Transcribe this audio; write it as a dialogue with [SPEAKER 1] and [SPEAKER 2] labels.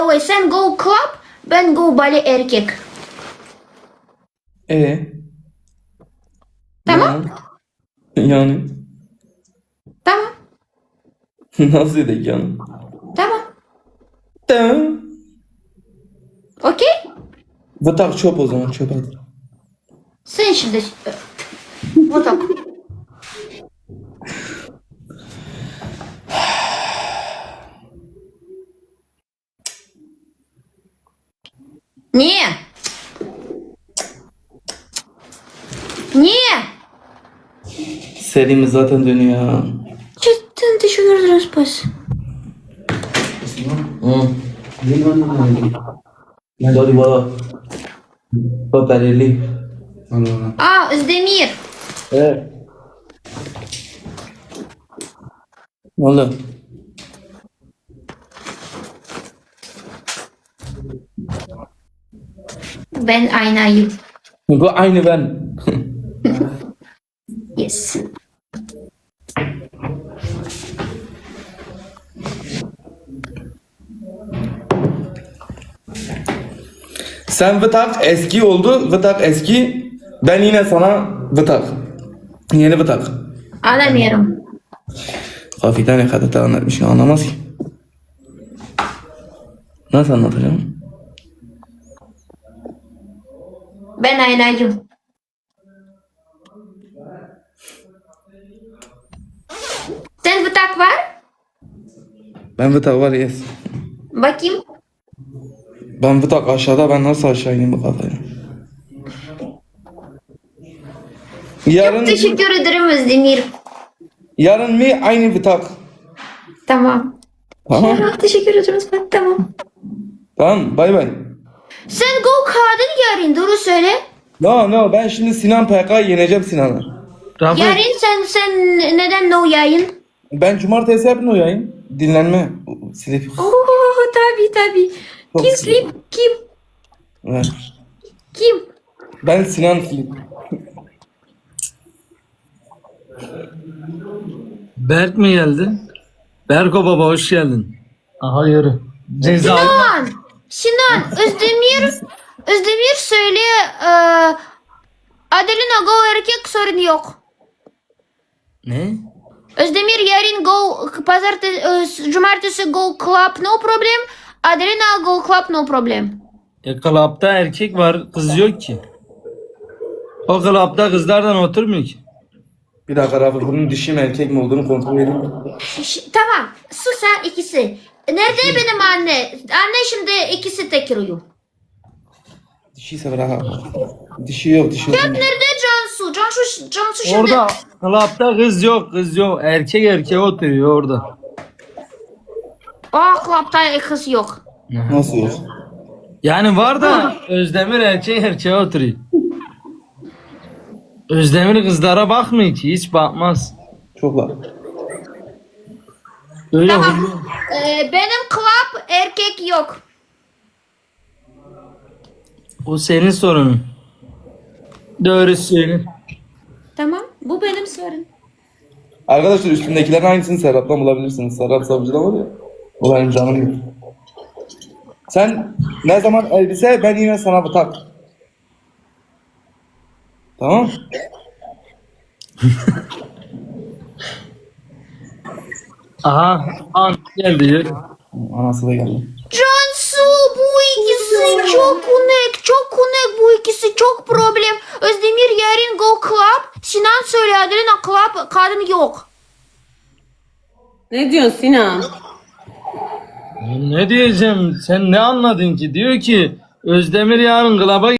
[SPEAKER 1] Sen go club, ben go bale erkek. Tamam.
[SPEAKER 2] Yani.
[SPEAKER 1] Tamam.
[SPEAKER 2] Nasıl dedik yani?
[SPEAKER 1] Tamam.
[SPEAKER 2] Tamam.
[SPEAKER 1] Okey?
[SPEAKER 2] Vıtak çöp o zaman, çöp hadi.
[SPEAKER 1] Sen şimdi... Вот так. Не. Не.
[SPEAKER 2] Serimiz zaten dönüyor.
[SPEAKER 1] Cidden teşekkür ederim Spas.
[SPEAKER 2] Dari bana. Paperli.
[SPEAKER 1] А, Özdemir.
[SPEAKER 2] Evet. Ne oldu?
[SPEAKER 1] Ben aynayım.
[SPEAKER 2] Bu aynı ben.
[SPEAKER 1] Yes.
[SPEAKER 2] Sen vıtak eski oldu. Vıtak eski. Ben yine sana vıtak. Yeni vıtak.
[SPEAKER 1] Anlamıyorum.
[SPEAKER 2] Kafiden ne kadar da anlatmışsın anlamaz ki. Nasıl anlatacağım?
[SPEAKER 1] Ben aynayım. Sen vıtak var?
[SPEAKER 2] Ben vıtak var yes.
[SPEAKER 1] Bakayım.
[SPEAKER 2] Ben vıtak aşağıda, ben nasıl aşağı ineyim bu kafaya? Yarın,
[SPEAKER 1] Teşekkür ederim Özdemir.
[SPEAKER 2] yarın mı aynı vıtak?
[SPEAKER 1] Tamam.
[SPEAKER 2] Tamam.
[SPEAKER 1] Teşekkür ederim Spas. Tamam.
[SPEAKER 2] Tamam bay bay.
[SPEAKER 1] Sen go kadın yarın doğru söyle.
[SPEAKER 2] No ben şimdi Sinan PK'yı yeneceğim Sinan'ı.
[SPEAKER 1] Yarın sen neden no yayın?
[SPEAKER 2] Ben cumartesi yapın o yayın. Dinlenme. Silip.
[SPEAKER 1] Oo tabii.
[SPEAKER 2] Çok
[SPEAKER 1] Kim
[SPEAKER 2] güzel.
[SPEAKER 1] sleep? Kim?
[SPEAKER 2] Evet.
[SPEAKER 1] Kim?
[SPEAKER 2] Ben Sinan Silip.
[SPEAKER 3] Berk mi geldi? Berko baba hoş geldin. Aha yürü. Ceza.
[SPEAKER 1] Sinan, Özdemir söylüyor. Adelina go erkek sorun yok.
[SPEAKER 3] Ne?
[SPEAKER 1] Özdemir yarın go pazartesi, cumartesi go club no problem. Adelina go club no problem.
[SPEAKER 3] Klapta erkek var, kız yok ki. O klapta kızlardan oturmuyor ki.
[SPEAKER 2] Bir dakika Rafa, bunun dişi mi erkek mi olduğunu kontrol edeyim.
[SPEAKER 1] Tamam, sus sen ikisi. Nerede benim anne? Anne şimdi ikisi tekiriyor.
[SPEAKER 2] Dişiyse bırak. Dişi yok, dişi yok.
[SPEAKER 1] Nerede Cansu? Cansu şimdi.
[SPEAKER 3] Orada klapta kız yok. Erkek oturuyor orada.
[SPEAKER 1] Aa, club'da kız yok.
[SPEAKER 2] Nasıl yok?
[SPEAKER 3] Yani var da Özdemir erkek oturuyor. Özdemir kızlara bakmıyor ki, hiç bakmaz.
[SPEAKER 2] Çok var.
[SPEAKER 3] Öyle
[SPEAKER 1] Tamam.
[SPEAKER 3] huylu.
[SPEAKER 1] Benim club erkek yok.
[SPEAKER 3] O senin sorunun. Doğru söyle.
[SPEAKER 1] Tamam, bu benim sorun.
[SPEAKER 2] Arkadaşlar üstündekilerin aynısını Serap'tan bulabilirsiniz. Serap Savcı'da var ya. O benim canım yok. Sen ne zaman elbise, ben yine sana vıtak. Tamam.
[SPEAKER 3] Aha an geldi.
[SPEAKER 2] Anası da geldi.
[SPEAKER 1] Cansu, bu ikisi çok unik bu ikisi çok problem. Özdemir yarın go club. Sinan söyle Adelina club kadın yok.
[SPEAKER 4] Ne diyorsun Sinan?
[SPEAKER 3] Ne diyeceğim? Sen ne anladın ki? Diyor ki Özdemir yarın klaba